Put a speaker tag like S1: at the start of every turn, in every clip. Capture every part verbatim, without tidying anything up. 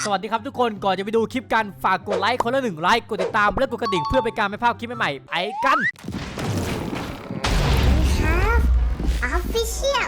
S1: สวัสดีครับทุกคนก่อนจะไปดูคลิปกันฝากกดไลค์คนละหนึ่งไลค์กดติดตามและกดกระดิ่งเพื่อเป็นการไม่พลาดคลิปใหม่ๆไปกัน
S2: Official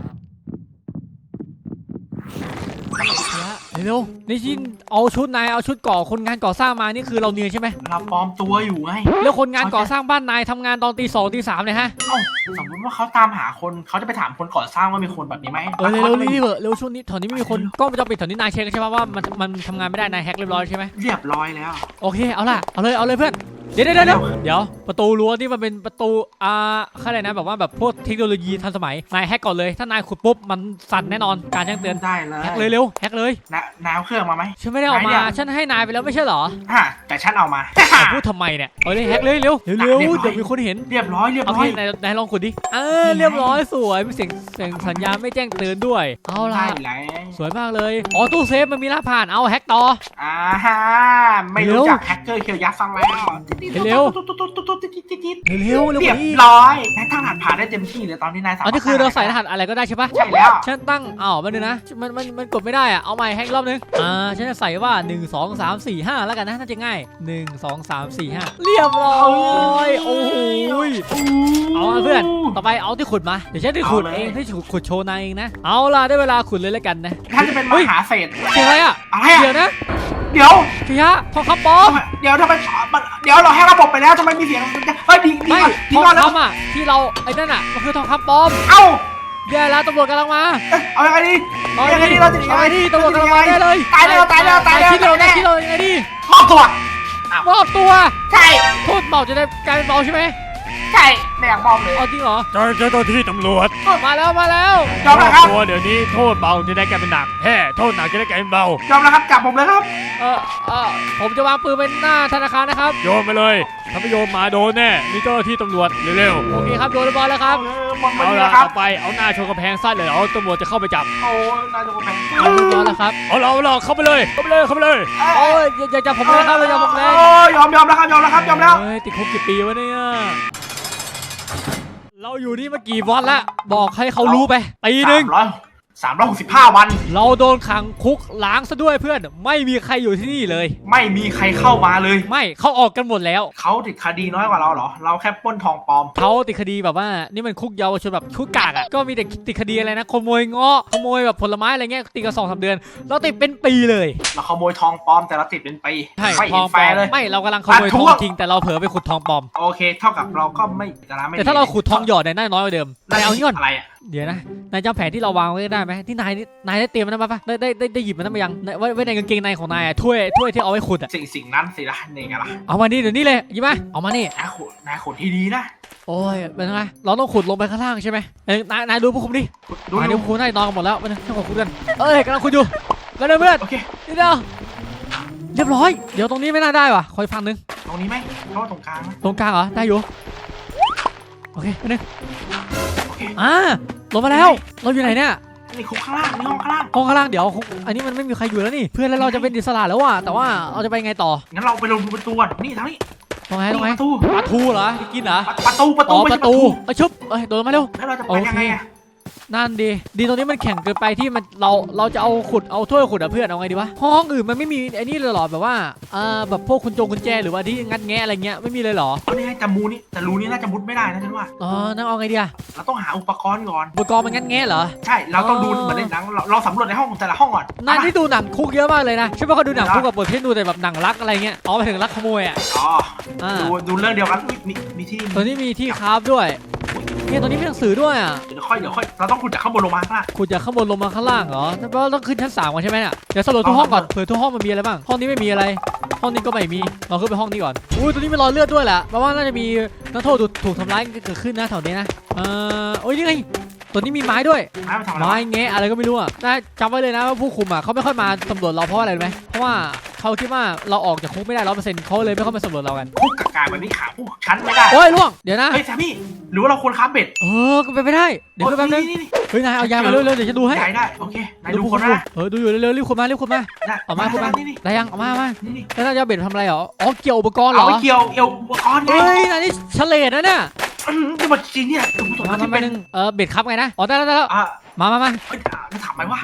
S1: เร็วๆนี่ชินเอาชุดนายเอาชุดก่อคนงานก่อสร้างมานี่คือเราเนียนใช่ไหม
S3: เราปลอมตัวอยู่ไง
S1: แล้วคนงานก่อสร้างบ้านนายทำงานตอนตีสองตีสามเลยฮะ
S3: เอ้าสมมติว่าเขาตามหาคนเขาจะไปถามคนก่อสร้างว่ามีคนแบบนี้ไหม
S1: เออเร็วๆรีบๆเร็วช่วงนี้แถวนี้ไม่มีคนกล้องวงจรปิดแถวนี้นายเช็คใช่ไหมว่ามันมันทำงานไม่ได้นายแฮกเรียบร้อยใช่ไหม
S3: เรียบร้อยแล้ว
S1: โอเคเอาล่ะเอาเลยเอาเลยเพื่อนเดี๋ยวเดี๋ยวเดี๋ยวเดี๋ยวประตูรั้วนี่มันเป็นประตูอ่าอะไรนะแบบว่าแบบพวกเทคโนโลยีทันสมัยนายแฮกก่อนเลยถ้านายขุดปุ๊บมันสั่นแน่นอนการแจ้งเตือน
S3: ได้เลย
S1: แฮกเลยเร็วแฮกเลย
S3: นะน้ำเครื่องมาไหม
S1: ฉันไม่ได้เอามาฉันให้นายไปแล้วไม่ใช่เหรอ
S3: ฮะแต่ฉันเอามา
S1: พูดทำไมเนี่ยเอาเลยแฮกเลยเร็วเร็วเร็วเดี๋ยวมีคนเห็น
S3: เรียบร้อยเรียบ
S1: เอา
S3: ร้อย
S1: พี่นายนายลองขุดดิเออเรียบร้อยสวยมีเสียงเสียงสัญญาณไม่แจ้งเตือนด้วยเอาล่ะ
S3: ได้แล้ว
S1: สวยมากเลยอ๋อตู้เซฟมันมีรหัสผ่านเอาแฮกต่อ
S3: อ่าฮะไม่รู้จักแฮกเกอร์เคียวยักษ์ฟังแล้ว
S1: เร็ว เร็วเร็ว
S3: เรียบ
S1: กว่านี้
S3: ร้อยนายตั้งรหัสผ่านได้เต็มที่เลยตอนนี้นายสามารถ
S1: อันนี้คือเราใส่รหัสอะไรก็ได้ใช่ปะ
S3: ใช่แล้ว
S1: ฉันตั้งอ้าวมันนึงนะมันมันมันกดไม่ได้อะเอาใหม่ให้อีกรอบนึงอ่าฉันจะใส่ว่าหนึ่ง สอง สาม สี่ ห้าแล้วกันนะน่าจะง่ายหนึ่ง สอง สาม สี่ ห้าเรียบร้อยโอ้โหเอาเพื่อนต่อไปเอาที่ขุดมาเดี๋ยวฉันจะขุดเองที่ขุดขุดโชว์นายเองนะเอาล่ะได้เวลาขุดเลยแล้วกันนะ
S3: ท่านจะเป็นมหาเศรษฐ์
S1: เจออะไรอ่ะ
S3: อะไร
S1: เดี๋ยว
S3: อ่ะ
S1: นะ
S3: เดี๋ยว
S1: เฮียทองคำปลอม
S3: เดี๋ยวทำไมเดี๋ยวเราให้ระบบไปแล้วทำไมมีเสียงเฮ้ยดีดี
S1: ไม่
S3: ก่อนดี
S1: ทอง
S3: ก่อนแล้ว
S1: คำอ่ะที่เราไอ้นั่นอ่ะมันคือทองคำปลอม
S3: เอ้า
S1: แย่แล้วตำรวจกำลังมา
S3: เอายังไงดี
S1: เอา
S3: ยังไง
S1: ไง
S3: ดี
S1: ดี
S3: เราจะหนี
S1: เอาไงดีตำรวจกำลังมาได้เลย
S3: ตายแล้วตายแล้วตายแล้ว
S1: คิดเราได้คิดเรายังไงดี
S3: มอบตัว
S1: มอบตัว
S3: ใช่
S1: โทษเบาจะได้กลายเป็นเบาใช่ไหม
S3: ใช่ไม่อยากมอบเลย
S1: เอาจริงเหรอ
S4: เจ้าเจ้าหน้าที่ตำรวจ
S1: มาแล้วมาแล้ว
S3: ยอมแล้วครับ
S4: ตัวเดี๋ยวนี้โทษเบาจะได้กลายเป็นหนักแฮ่โทษหนักจะได้กลายเป็นเบาย
S3: อมแล้วครับจับผมเลยครับ
S1: เออเออผมจะวางปืนเป็นหน้าธนาคารนะครับ
S4: โยนไปเลยถ้าไม่โยนมาโดนแน่มีเจ้าหน้าที่ตำรวจเร็ว
S1: โอเคครับโดนเรียบร้อยแล้วครับ
S3: เออมอง
S4: ๆ
S3: มา
S4: เอา
S3: ดี
S4: ละ
S3: นะครับ
S4: ต่อไปเอาหน้าชนกำแพงสั้นเลยเอาตำรวจจะเข้าไปจับ
S3: โอ้นายจะมาแพง
S1: เอาเรียบร้อยแล้วครับ
S4: เอาเราเราเข้าไปเลยเข้าไปเลยเข้าไปเลย
S1: โอ้ยอย่าอย่าจับผมเลยครับอย่าจับผมเลย
S3: โอ้ยอมยอมแล้วครับยอมแล้วครับยอมแล้ว
S1: เฮ้ยติดคุกกี่ปีวะเนี่ยเราอยู่นี่มากี่วันละบอกให้เขารู้ไปปีหนึ่ง
S3: สามร้อยสามร้อยหกสิบห้าวัน
S1: เราโดนขังคุกล้างซะด้วยเพื่อนไม่มีใครอยู่ที่นี่เลย
S3: ไม่มีใครเข้ามาเลย
S1: ไม่เขาออกกันหมดแล้ว
S3: เขาติดคดีน้อยกว่าเราเหรอเราแค่ปล้นทองปลอม
S1: เขาติดคดีแบบว่านี่มันคุกเยาวชนแบบคุกกากอ่ะก็มีแต่ติดคดีอะไรนะขโมยเงาะขโมยแบบผลไม้อะไรเงี้ยติดกันสองสามเดือนเราติดเป็นปีเลย
S3: เราขโมยทองปลอมแต่เราติดเป็นปี
S1: ใช่
S3: ไม่
S1: ท
S3: เห็
S1: อง
S3: น
S1: ป
S3: แฟ
S1: ลอ
S3: ร์
S1: ม
S3: เลย
S1: ไม่เรากำลังขโมย
S3: อ่ะ
S1: ท
S3: ท
S1: อ
S3: ว
S1: ง
S3: ง
S1: จริงแต่เราเผลอไปขุดทองปลอม
S3: โอเคเท่ากับเราก็ไม่จะนะไม่
S1: แต่ถ้าเราขุดทองหยอดเนี่ยน่าน้อยกว่าเดิมนายเอานี่ก่อน
S3: อะไรอ่ะ
S1: เดี๋ยวนะนายจำแผนที่เราวางไว้ได้ไหมที่นายนี่นายได้เตรียมมันมาปะได้ได้ได้ได้หยิบมันมายังในไว้ไว้ในกางเกงในของนายอะถ้วยถ้วยที่เอาไว้ขุดอะ
S3: สิ่งสิ่งนั้นสิละนี่ไงล่ะ
S1: เอามานี่เดี๋ยวนี้เลยหยิบมาเอามานี่
S3: นายขุดนายขุดที่ดีนะ
S1: โอ้ยเป็นไงเราต้องขุดลงไปข้างล่างใช่ไหมเอ้ยนายนายดูพวกผมดิ
S3: ขุดดู
S1: นาย
S3: ดู
S1: ดูพวกผมนายนอนกันหมดแล้วไปนะให้ผมขุดกันเอ้ยกำลังขุดอยู่ไปเลยเพื่อน
S3: โอเค
S1: นี่เดียวเรียบร้อยเดี๋ยวตรงนี้ไม่น่าได้ว่ะคอยฟังนึง
S3: ตรงนี้ไหมเพราะว่าตรงกลางนะ
S1: ตรงกลางเหรอได้อยู่โอเคไปนึง
S3: โอเค
S1: อ่าลงมาแล้วเราอยู่ไหนเนี่ย
S3: นี่คุกข้างล่างนี่ห้องข้างล่าง
S1: ห้องข้างล่างเดี๋ยวอันนี้มันไม่มีใครอยู่แล้วนี่เพื่อนแล้วเราจะเป็นอิสระแล้วว่ะแต่ว่าเราจะไปไงต่อ
S3: งั้นเราไปลงประตูก่อนนี่ทางนี้
S1: ตรงไหนตรงไหน
S3: ประตู
S1: ปลาทูเหรอที่กินเหรอ
S3: ประตูประตู
S1: อ๋อ
S3: ไม่
S1: ป
S3: ใช่
S1: ระตูเอ้ยชุบเอ้ยโดนมาเร็ว
S3: แล้วเราจะไป
S1: โอเค
S3: ยังไงอะ
S1: นั่นดีดีตรงนี้มันแข็งเกินไปที่มันเราเราจะเอาขุดเอาถ้วยขุดอะเพื่อนเอาไงดีวะห้องอื่นมันไม่มีไอ้นี่เลยเหรอแบบว่าเอ่อแบบพวกคุณจงคุณแจหรือว่าที่งัดแงะอะไรเงี้ยไม่มีเลยเหรอ
S3: เอานี่ให้แต่มูนี่แต่รูนี่น่าจะมุดไม่ได้นะฉันว่า
S1: อ๋อนั่นเอาไงดีอะ
S3: เราต้องหาอุปกรณ์ก่อน
S1: อุปกรณ์มันงัดแงะเหรอ
S3: ใช่เราต้องดู
S1: อ๋อ
S3: เหมือนในหนังเราเราสำรวจในห้องแต่ละห้องก่อน
S1: นายที่ดูหนังคุกเยอะมากเลยนะใช่ป่ะเขาดูหนังคุกกับบทที่ดูแต่แบบหนังรักอะไรเงี้ยอ๋อไปถึงรักขโมยอะ
S3: อ๋อ
S1: อ่า
S3: ดูดูเรื่องเดียวกันอุ๊ยมีมีที่
S1: ตัวนี้มีที่คราฟด้วยเนี่ยตัวนี้มีหนังสือด้วยอะ
S3: เดี๋ยวค่อยเดี๋ยวค่อยเราต้องขุดจากข้างบนลงมาข้างล่าง
S1: ขุดจากข้างบนลงมาข้างล่างเหรอนั่นแปลว่าต้องขึ้นชั้นสามก่อนใช่ไหมเนี่ยเดี๋ยวสำรวจทุกห้องก่อนเผื่อทุกห้องมันมีอะไรบ้างห้องนี้ไม่มีอะไร ห้องนี้ก็ไม่มีเราขึ้นไปห้องนี้ก่อนอุ้ยตัวนี้มีรอยเลือดด้วยแหละแปลว่าน่าจะมีนักโทษถูกทำร้ายเกิดขึ้นนะแถวนี้นะเออโอ้ยนี่ไงตัวนี้มีไม้ด้วย
S3: ไม้มาทำอะไร
S1: ไม้แงะอะไรก็ไม่รู้อ่ะน่าจำไว้เลยนะว่าผู้คุมอ่ะเขาไม่ค่อยมาสำรวจเราเพราะอะไรรู้ไหมเพราะว่าเขาคิดว่าเราออกจากคุกไม่ได้ร้อยเปอร์เซ็นต์เขาเลยไม่ค่อยมาสำรวจเรากัน
S3: คุกกากาแบบนี้ขาพวกชั้นไม่ได้
S1: โอ้ยล่วงเดี๋ยวนะ
S3: เฮ้ยแซมมี่หรือว่าเราควรค้าเบ็ด
S1: เออก็เป็นไปได้เดี๋ยวแป๊บนึง
S3: นี่นี่
S1: เฮ้ยนายเอายามาเร็วๆเดี๋ยวจะดูให้
S3: ใหญ่ได้โอเคนายดู
S1: พวก
S3: คน
S1: คุ
S3: นะ
S1: มเออดูอยู่เร็วๆรีบขุดมารีบขุดมา
S3: ได้
S1: เอามาขุดมา
S3: นี่นี่
S1: ได้ยังเอามาเอามา
S3: นี่นี่
S1: แล้วนายจะเอาเบ็ดทำอะไรเหรออ๋อเกี่ยวอุปกรณ์เหร
S3: เอา
S1: อ
S3: ไว้เกี่ยวเอวอุปกรณ์ไง
S1: เฮ้ยนายนี่เฉลยนะเนี่ย
S3: อืมนี่มันจริงเนี่ยถึงผม
S1: มา
S3: ที่
S1: มา
S3: เป็น
S1: หนึ่งเออเบ็ดครับไงนะอ๋อได้แล้วได้แล้ว
S3: อ่ะ
S1: มามามา
S3: เฮ้ยอ่ะแล้วถามไหมว่า
S1: ไ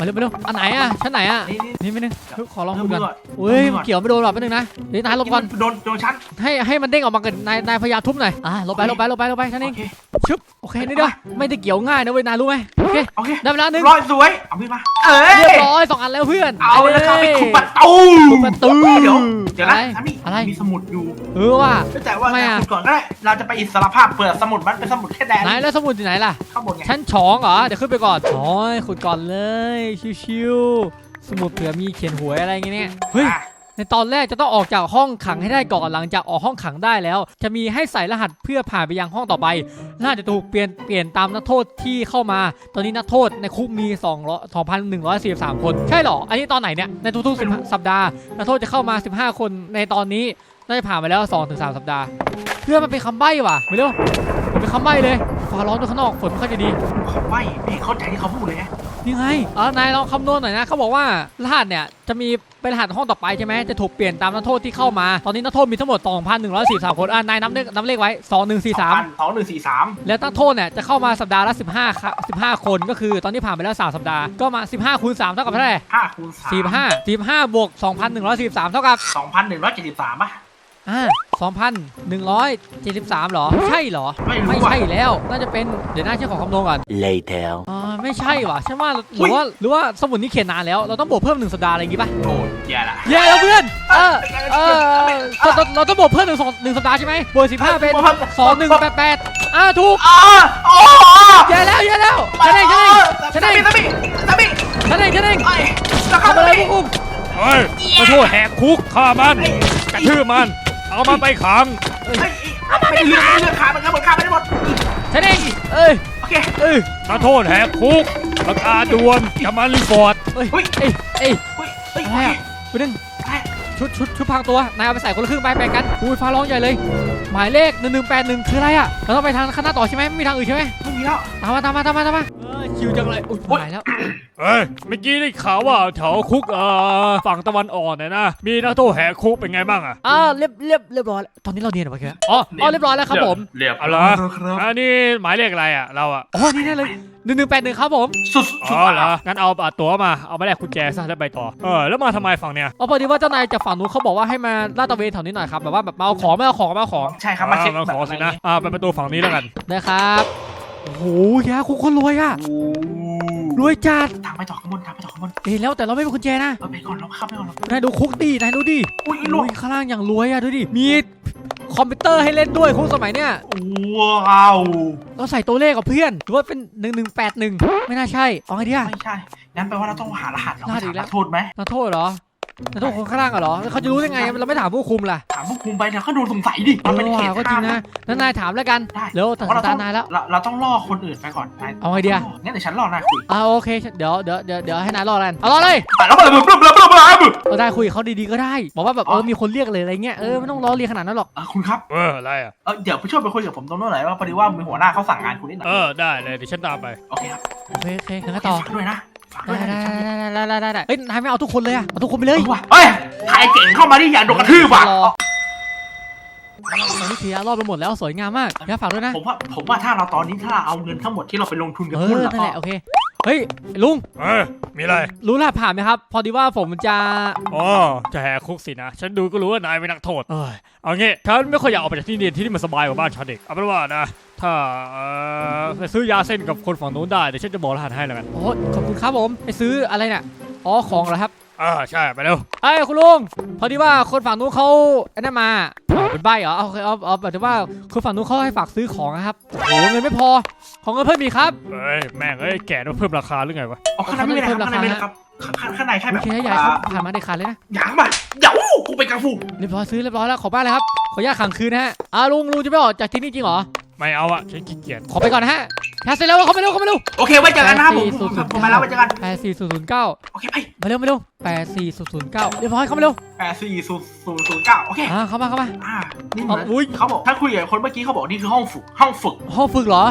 S1: มาเร็วมาเร็วอันไหนอ่ะชั้นไหนอ่ะ
S3: นี่นี่
S1: นี่ไม่นึงเฮ้ยขอลอง
S3: เริ่
S1: คุ
S3: ม
S1: ยก่อน
S3: ก่อน
S1: เฮ้ยมันเกี่ยวไม่โดนหรอกไม่นึงนะเดี๋ยวนายลบก่อน
S3: โดนโดนชั้น
S1: ให้ให้มันเด้งออกมากันนายนายพยายามทุบหน่อยอ่ะลบไปลบไปลบไปลบไปชั้นเอง
S3: โอเค
S1: ชึบโอเคนี่เด้อไม่ได้เกี่ยวง่ายนะเว้ยนายรู้ไหมโอเค
S3: โอเค
S1: ได้เวลาหนึ่ง
S3: ร้อยสวยเอามีดมาเอ้ย
S1: เรียบร้อยสองอันแล้วเพื่อน
S3: เอาแล้วครับไปขุดประตู
S1: ขุดประตู
S3: เดี๋ยวเดี๋ยว
S1: อะ
S3: นะ
S1: ไร
S3: อันนี้
S1: อะไร
S3: มีสมุดอยู่
S1: เออว่ะ
S3: แต่ว่า
S1: ทำไมอะ
S3: ขุดก่อนก็ได้เราจะไปอิสรภาพเปิดสมุดมันเป็นสมุดแค่แดน
S1: ไหนแล้วสมุดอยู่ไหนล่ะ
S3: ข้างบนไง
S1: ชั้นสองเหรอเดี๋ยวขึ้นไปก่อนโอ้ยขุดก่อนเลยชิวๆสมุดเผื่อมีเขียนหวยอะไรอย่างเงี้ยเฮ้ย
S3: อ่ะ
S1: ในตอนแรกจะต้องออกจากห้องขังให้ได้ก่อนหลังจากออกห้องขังได้แล้ว จะมีให้ใส่รหัสเพื่อผ่านไปยังห้องต่อไปรหัสจะถูกเปลี่ยนเปลี่ยนตามนักโทษที่เข้ามา ตอนนี้นักโทษในคุกมีสองพันหนึ่งร้อยสี่สิบสามคนใช่เหรออันนี้ตอนไหนเนี่ยในทุกๆสัปดาห์นักโทษจะเข้ามาสิบห้าคนในตอนนี้น่าจะผ่านไปแล้ว สองถึงสาม สัปดาห์เพื่อมันเป็นคำใบ้ว่ะไม่รู้มันเป็นคำใบ้เลยฟ้าร้อนด้วยข้างนอกฝนไม่ค่อยจะดี
S3: เขาไม่ไม่เข้าใจที่เขาพูดเลยไง
S1: นี่ไงเออนายลองคำนวณหน่อยนะเขาบอกว่ารหัสเนี่ยจะมีเป็นรหัสห้องต่อไปใช่ไหมจะถูกเปลี่ยนตามนักโทษที่เข้ามาตอนนี้นักโทษมีทั้งหมด สองพันหนึ่งร้อยสี่สิบสาม คนอ่านายนับเลขนับเลขไว้สองหนึ่งสี่สาม
S3: สองหนึ่งสี่สาม
S1: แล้วนักโทษเนี่ยจะเข้ามาสัปดาห์ละสิบห้าค่ะสิบห้าคนก็คือตอนนี้ผ่านไปแล้วสามสัปดาห์ก็มาสิบห้าคูณสามเท่ากับเท่าไหร่
S3: ห้าคูณสาม
S1: สี่สิบห้า สี่สิบห้าบวกสองพันหนึ่งร้อยสี่สิบสามเท่ากับ
S3: สองพันหนึ่งร้อยเจ็ดสิบสามป่ะ
S1: อ่าสองพันหนึ่งร้อยเจ็ดสิบสามเหรอใช่เหรอ
S3: ไม่รู้
S1: ไม่
S3: ว่ะ
S1: ใช่แล้วน่าจะเป็นเดี๋ยวน่าเชื่อของคำนวณก่อน
S2: Later.
S1: อ่าไม่ใช่ว่ะใช่ว่าหรือว่าหรือว่าสมุดนี้เขียนนานแล้วเราต้องบวกเพิ่มหนึ่งสัปดาห์อะไรอย่างงี้ป่ะ
S3: โอ้ยแย่ละ
S1: เย้แล้วเพื่อนเออเออเราเราเราต้องบวกเพิ่มหนึ่งสองหนึ่งสัปดาห์ใช่ไหมบวกสิบห้าเป็นสองหนึ่งแปดแปดอ่าถูก
S3: อ๋อโอ้
S1: เย้แล้วเย้แล้วฉันเองฉันเองฉันเอง
S3: ตาบิตาบิ
S1: ฉันเองฉันเอง
S3: ไอ้ตา
S1: ทำอะไรพวกคุณ
S4: เฮ้ยขอโทษแหกคุกฆ่ามันกระทืบมัน เอามันไปขัง
S3: ไม่เลือกไม่เลือกขามันกันหมดขาไม่ได้หมด
S1: ฉันเองเอ้ย
S3: โอเค
S1: เอ้ย
S4: ขอโทษแหกคุกประกาศด่วนจะมารีพอร์ต
S1: เอ้ย
S3: เฮ้ย
S1: เอ้ยเอ้ย
S3: เฮ้ยเฮ้ย
S1: อะไรอ่ะไปดึงชุดชุดชุดพรางตัวนายเอาไปใส่คนละครึ่งไปแบ่งกันอุ้ยฟ้าร้องใหญ่เลย หมายเลขหนึ่งหนึ่งแปดหนึ่งคืออะไรอ่ะเราต้องไปทางข้างหน้าต่อใช่ไหมไม่มีทางอื่นใช่ไหม
S3: ไม่มีแล้ว
S1: ตามมาตามมาตามมาตามมาเออคิวจังเลยอุ้ยหายแล้ว
S4: เอ้ยเมื่อกี้ได้ข่าวว่าแถวคุกเอ่อฝั่งตะวันออกเนี่ยนะมีนักโทษแหกคุกเป็นไงบ้างอะ
S1: อ่าเรียบเรียบเรียบร้อยแล้วตอนนี้เราเรียนหรือเปล่าแกอ๋ออ๋อเรียบร้อยแล้วครับผม
S3: เรียบ
S4: เอาเหรออันนี้หมายเลขอะไรอะเราอะ
S1: อ๋อนี่แน่เลยหนึ่งหนึ่งแปดหนึ่งครับผม
S3: สุด
S4: อ๋
S3: สุด
S4: อเหรองั้นเอาอ่ะตั๋วมาเอาไปแลกกุญแจซะแล้วไปต่อเออแล้วมาทำไมฝั่งเนี้ย
S1: อ๋อพอดีว่าเจ้านายจากฝั่งนู้นเขาบอกว่าให้มาลาดตระเวนแถวนี้หน่อยครับแบบว่าแบบมาเอาของไม่เอาของไม่เอาของ
S3: ใช่ครับมาเช็ค
S4: อ่าขอสินะอ่าไปประตูฝั่งนี้แล้วกัน
S1: นะครับโอ้โหแย่คุกคนรวยอ่ะรวยจัด
S3: ทางไปต่อข้างบนทางไปต่อข้างบน
S1: เอ้ยแล้วแต่เราไม่มีกุญแจนะ
S3: เราไปก่อนเราเข้าไปก่อนเรา
S1: นายดูคุกดินายดูดิ
S3: อุ้ยลูก
S1: อุ้ยข้างล่างอย่างรวยอ่ะดูดิมีคอมพิวเตอร์ให้เล่นด้วยคุกสมัยเนี้ย
S3: ว้าว
S1: เราใส่ตัวเลขกับเพื่อนหรือว่าเป็นหนึ่งหนึ่งแปดหนึ่งไม่น่าใช่เอาไงดีอะ
S3: ไม่ใช่งั้นแปลว่าเราต้องหารหัสเรา
S1: รหัสอีกแล้ว
S3: ถามโทษไหม
S1: นักโทษเหรอนักโทษคนข้างล่างเหรอแล้วเขาจะรู้ได้ไงเราไม่ถามผู้คุมล่ะ
S3: ถามผู้คุมไปเดี๋ยวเขาดูสงสัยดิ
S1: เอ
S3: มันเป็น
S1: อ
S3: เขต
S1: ว่ะก็จริงนะแล้วนายถามแล้วกัน
S3: ได้
S1: เร็วตัด
S3: เพราะเรา
S1: ตา
S3: ต้อง
S1: นายแล้ว
S3: เราเราต้องล่อคนอื่นไปก่อนนาย
S1: เอาไงดีอะ
S3: งั้นเดี๋ยวฉันล่อนายคุย
S1: อ่าโอเคเดี๋ยวเดี๋ยวเดี๋ยวเดี๋ยวให้นายรอกันเอารอเลย
S3: แต่แล้วเราบึ้มบึ้มบึ้มบึ้มบึ้ม
S1: เราได้คุยกับเขาดีๆก็ได้บอกว่าแบบ
S3: อ๋
S1: เอ
S3: อ
S1: อมีคนเรียกเลยอะไรเงี้ยเออไม่ต้องรอเรียกขนาดนั้นหรอก
S3: เออคุณครับ
S4: เอออะไรอะ
S3: เออเดี๋ยวไปช่วยไปคุยกับผมตรงโน้นหน่อยว่าพอดีว่ามีหัวหน้าเขาสั่งงานคุณนิดหน่อย
S4: เออได้เลยเดี๋ยวฉันตามไป
S3: โอเคครับ
S1: โอเคโอเคงั้นก็ต่อ
S3: ฝากด้วยนะฝากด้
S1: ได้
S3: วยนะ
S1: ได้
S3: เดี๋ยวฉัน
S1: ได้ได้ได้ได้เฮ้ยนายไม่เอาทุกคนเลยอะเอาทุกคนไปเล
S3: เอย อว่ะเฮ้ยถ่ายเจ๋งเข้ามาดิอย่าโดนกระทืบว่ะ
S1: รอตอนนี้เคลียร์รอบไปหมดแล้วสวยงามมากอย่าฝากด้วยนะ
S3: ผมว่าผมว่าถ้าเราตอนนี้ถ้าเราเอาเงินทั้งหมดที่เราไปลงทุนกับ
S1: เอ
S3: หุ้น
S1: อ
S3: แล้ว
S1: นั่น
S3: ก็
S1: แหละโอเคเฮ้ยลุง
S4: เออมีอะไร
S1: รู้รหัสผ่านไหมครับ พอดีว่าผมจะ
S4: อ๋อจะแหกคุกสินะฉันดูก็รู้ว่านายเป็นนักโทษเอยเอางี้ฉันไม่ค่อยอยากออกไปจากที่นี่ที่นี่มันสบายกว่าบ้านฉันเด็กเอาเป็นว่านะถ้าเอ่อไปซื้อยาเส้นกับคนฝั่งนู้นได้เดี๋ยวฉันจะบอกรหัสให้แล้วกัน
S1: โอ้ขอบคุณครับผมไปซื้ออะไรเนี่ยอ๋อของเหรอครับ
S4: อ่าใช่ไปเร็ว
S1: เอ้ยคุณลุงพอดีว่าคนฝั่งนู้นเขาไอ้นั่นมาอ๋อเป็นใบเหรอเอาโอเคเอาเอาแบบว่าคนฝั่งนู้นเขาให้ฝากซื้อของนะครับโอ้เงินไม่พอของเงินเพิ่มอีกครับ
S4: เอ้ยแม่งเอ้ยแก่ต้องเพิ่มราคาหรือไงวะ
S3: อ๋อข้างในไม่เป็นไรครับข้างในไม่เป็นไรครับข้างข้างในแค่แบ
S1: โอบ เคใหญ่ครับผ่านมาได้ขาดเลยนะ
S3: หยางมาเดี๋ยวกูเป็นกังฟู
S1: เรียบร้อยซื้อเรียบร้อยแล้วขอบ้านเลยครับขออนุญาตขังคืนนะฮะอ่าลุงลุงจะไม่ออกจากที่นี่จริงเหรอ
S4: ไม่เอาอะฉันขี้เกียจ
S1: ขอไปก่อนนะฮะแคสเสร็จแล้วเข้าไปเร็วเข้าไปเร็ว
S3: โอเคไว้เจอกันนะครับผมผมผมมาแล้วไว้เจอกัน
S1: แปดสี่ศูนย์ศูนย์เก้า
S3: โอเคไป
S1: มาเร็วมาเร็วแปดสี่ศูนย์ศูนย์เก้าเรียบร้อยเข้ามาเร็ว
S3: แปดสี่ศูนย์ศูนย์ศูนย์เก้าโอเค
S1: อ่าเข้ามาเข้ามา
S3: อ่านี่เหมือน
S1: อุ๊ย
S3: เขาบอกถ้าคุยกับคนเมื่อกี้เขาบอกนี่คือห้องฝึกห้องฝึก
S1: ห้องฝึกเหรอ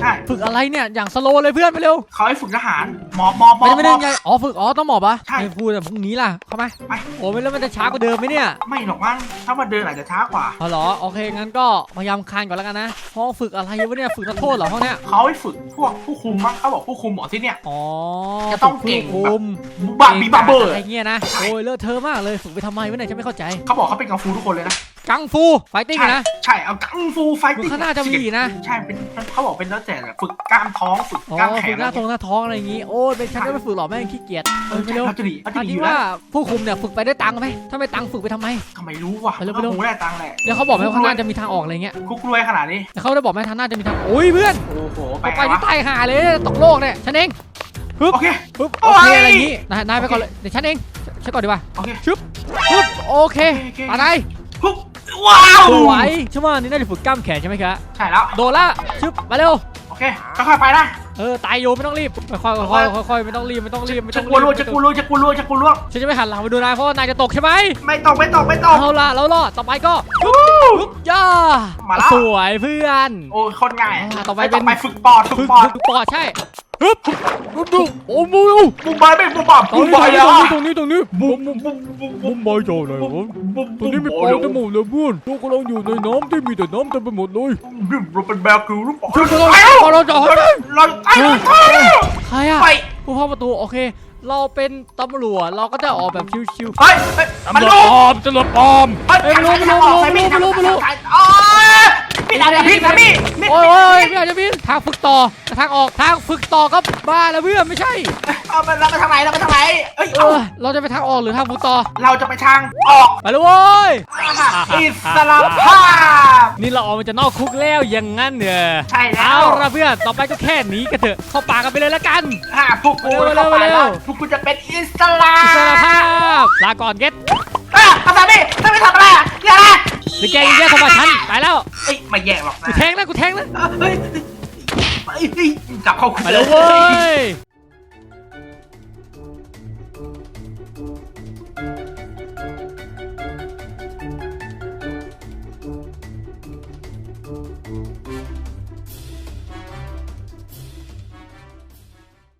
S3: ใช่
S1: ฝึกอะไรเนี่ยอย่างสโลว์เลยเพื่อนไปเร็ว
S3: เขาให้ฝึกทหารหมอบหมอบหม
S1: ไม่
S3: อบ
S1: ได้ไม่
S3: หม
S1: ได้
S3: อบ
S1: ไงอ๋อฝึกอ๋อต้องหมอบปะ
S3: ใช่
S1: ไม่พูดแต่พรุ่งนี้ล่ะเข้ามา
S3: ไป
S1: โอ้ไม่แล้วมันจะช้ากว่าเดิมไหมเนี่ย
S3: ไม่หรอกมั้งถ้ามาเดินอาจจะช้ากว่า
S1: อ๋อเหรอโอเคงั้นก็พยายามคานก่อนแล้วกันนะห้องฝึกอะไรวะเนี่ยฝึกนักโทษเหรอห้องเนี้ย
S3: เขาให้ฝึกพวกผู้คุมมั้งเขาบอกผู้คุมหมอที่เนี่ย
S1: อ๋อ
S3: จะต้องเก่ง
S1: ฝึผู้คุม
S3: บาบีบาเบอร์
S1: อะไรเงี้ยนะโอ้ยเลอะเทอะมากเลยฝึกไปทำไมวะเนี่ยฉันไม่เข้าใจ
S3: เขาบอกเขาเป็นกังฟูทุกคนเลยนะ
S1: กังฟูไฟติ้ง
S3: ใช่
S1: นะ
S3: ใช่เอากังฟูไฟ
S1: ดู
S3: ติ้ง
S1: ข้างหน้าจะมีอีกนะ
S3: ใช่เป็นเขาบอกเป็นแล้วแต่ฝึกกล้ามท้องฝึก
S1: อ๋อก
S3: ล้ามแข
S1: ฝึ
S3: น
S1: กหน้าท้องหน้าท้องอะไรอย่างงี้โอ้ยเป็นฉันก็ไม่ฝึกหรอกแม่งขี้เกียจ
S3: เอ
S1: เอ
S3: อ
S1: อไป
S3: ใช่
S1: เร็ว
S3: เขาจะดีเขาจะ
S1: อัน
S3: ดีอ
S1: นี้
S3: ยู่แล้
S1: ว่าว ผู้คุมเนี่ยฝึกไปได้ตังค์ไหมถ้าไม่ตังค์ฝึกไปทำไม
S3: ทำไมรู้วะ
S1: ไปเร็วไปเร็ว
S3: คงได้ตังค์แหละ
S1: เดี๋ยวเขาบอกไหมว่าข้างหน้าจะมีทางออกอะไรเงี้ย
S3: คุกรวยขนาดนี้
S1: เดี๋ยวเขาได้บอกไหมทางหน้าจะมีทางโอ้ยเพื่อน
S3: โอ้โห
S1: ไป
S3: ไป
S1: ไป
S3: ไง
S1: ที่
S3: วะ
S1: ใต้หาเลยตกโลกเนี่ยฉันเองปึ๊บ
S3: โอเค
S1: ปึ๊บ
S3: โอ้
S1: โอย เค
S3: ย
S1: อะไรอย่างงี้นายนายไปก่อนเลยเดี๋ยวฉันเองฉันก่อนดีกว่า
S3: โอเค
S1: ปึ๊บโอเค
S3: โอเค
S1: ไปไหน
S3: คุกว้าว
S1: สวยใช่ไหมนี่น่าจะฝึกกล้ามแขนใช่ไหมครับ
S3: ใช่แล้ว
S1: โดนละชึบมาเร็ว
S3: โอเคค่อยๆไปนะ
S1: เออตายโยไม่ต้องรีบค่อยๆค่อยๆค่อยๆไม่ต้องรีบไม่ต้องรีบไม่
S3: จะ
S1: ต้อง
S3: กลัว
S1: รี
S3: ล่วง
S1: บ
S3: จะกลัวล่วงจะกลัวล่วงจะกลัวล่วง
S1: ฉันจะไม่หันหลังไปดูนายเพราะว่านายจะตกใช่ไหม
S3: ไม่ตกไม่ตกไม่ตก
S1: เอาล่ะแล้วรอดต่อไปก็ปึ๊บปึ๊บย่า
S3: มาแล้ว
S1: สวยเพื่อน
S3: โอ้ยคนง่าย
S1: อ่าต่อไป
S3: ม่
S1: เป็น
S3: ไปฝึกปอดฝึ
S1: ฝึ
S3: ก
S1: ก
S3: ปอด
S1: ฝึกปอดใช่ปึ๊บปึ๊บดูโอ้มู
S3: บุ้มบายไม่บุ้มบอด
S1: ตรง
S3: บุ้ม
S1: นี้
S3: บาย
S1: ตรง
S3: อ่ะ
S1: นี้ตรงนี้ตรงนี้
S3: บุ้มบุ้มบุ้มบุ้มบุ้
S4: บุ้
S3: ม
S4: มบอยโจเลย
S3: บุ้ม
S4: ผม
S3: บุ้ม
S4: ตรงนี้มีปลาทั้งหมดเลยเพื่อนตัวกำลังอยู่ในน้ำที่มีแต่น้ำเต็มไปหมดเลย
S3: บุ้มเราเป็นแบกิวหรือเปล่า
S1: ช่วยเรา
S3: ไปแล้ว
S1: เราจะ
S3: เราเราตายแล้วตายแล้ว
S1: ใครอะ
S3: ไป
S1: ผู้พ่อประตูโอเค เราเป็นตำรวจเราก็จะออกแบบชิว
S3: เฮ้ยเฮ้ยมัน
S4: ตำรวจ
S3: รู้
S4: ปลอมตำรวจปลอม
S3: เฮ้ย
S1: เอ้ยไม่รู้ไม่รู้ไม่รู้ไม่รู้ไม่รู้
S3: โอ้ยพี่ดาพี่นะพี่
S1: ๆโอ้ยโอ้ยไม่อยากจะมีทางฝึกต่อแต่ทางออกทางฝึกต่อก็บ้าแล้วเพื่อนไม่ใช่
S3: เอาไปเราไปทางไหนเราไปทางไหนเอ้ย
S1: เออเราจะไปทางออกหรือทางฝึกต่อ
S3: เราจะไปทางออก
S1: ไปเลยเว้ย
S3: อิสระภาพ
S1: นี่เราออกมาจากนอกคุกแล้วอย่างงั้นเนี่ย
S3: ใช่แล้ว
S1: เอาละเพื่อนต่อไปก็แค่หนีกันเถอะเข้าป่ากันไปเลยละกัน
S3: อ่าพวกกู
S1: เร็วๆ
S3: เข้าไป
S1: เร็
S3: แล้ว
S1: ว
S3: พวกกูจะเป็นอิสระ
S1: อิสรภาพลาก่อนเก็ต
S3: อ่ะทำไมพี่ทำไมทำอะไรอ่ะอย่านะ
S1: หรือแกยังแย่ทำไมฉันไปแล้ว
S3: เอ้ยไม่แย่หรอกนะ
S1: กูแทงนะกูแทงนะ
S3: เฮ้ยเฮ้ยเฮ้ยกลับเข้าคุก
S1: ไปเลยเว้ย